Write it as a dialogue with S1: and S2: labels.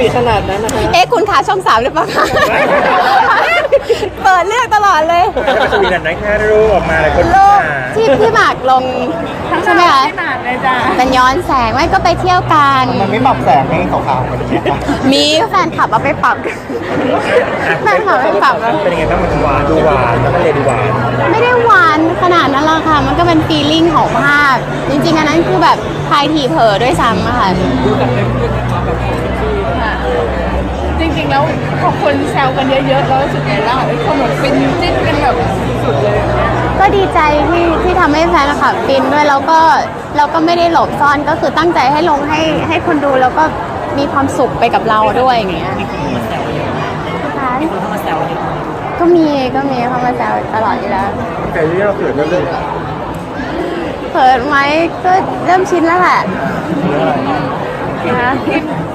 S1: ขนาดนั้นนะคะ
S2: คุณขาช่อง3หรือเปล่าคะเปิดเลือกตลอดเลย
S3: สวีดันนั้นแค่รูปออกมาเลยคน
S2: รูปที่พี่หมากลงใช่ไหมคะมันย้อนแสงไม่ก็ไปเที่ยวกัน
S4: มันไม่ปรับแสงให้ขาวๆกันใช่ไหม
S2: มีแฟนคลับเอาไปปรับแฟนคลับไปปรับแล้ว
S3: เป็นยังไงบ้างมันหวานดูหวานแล้วก็เลยดูหวาน
S2: ไม่ได้หวานขนาดนั้นหรอกค่ะมันก็เป็นฟีลลิ่งของภาพจริงๆอันนั้นคือแบบทายทีเผลอด้วยซ้ำอะค่ะ
S1: จริงๆแล้วพอคนแซวกันเยอะๆแล้วรู้สึกไงล่ะคนแบบเป็นจิ้นกันแบบสุดเลย
S2: ก็ดีใจที่ทำให้แฟนคลับฟินด้วยแล้วก็ไม่ได้หลบซ่อนก็คือตั้งใจให้ลงให้คนดูแล้วก็มีความสุขไปกับเราด้วยอย่างเงี้ยก็มีเข้ามาแซวตลอดอยู่แล้ว
S3: แต่ที่เราเกิดเรื่อง
S2: เขินไหมก็เริ่มชินแล้วแหละนะ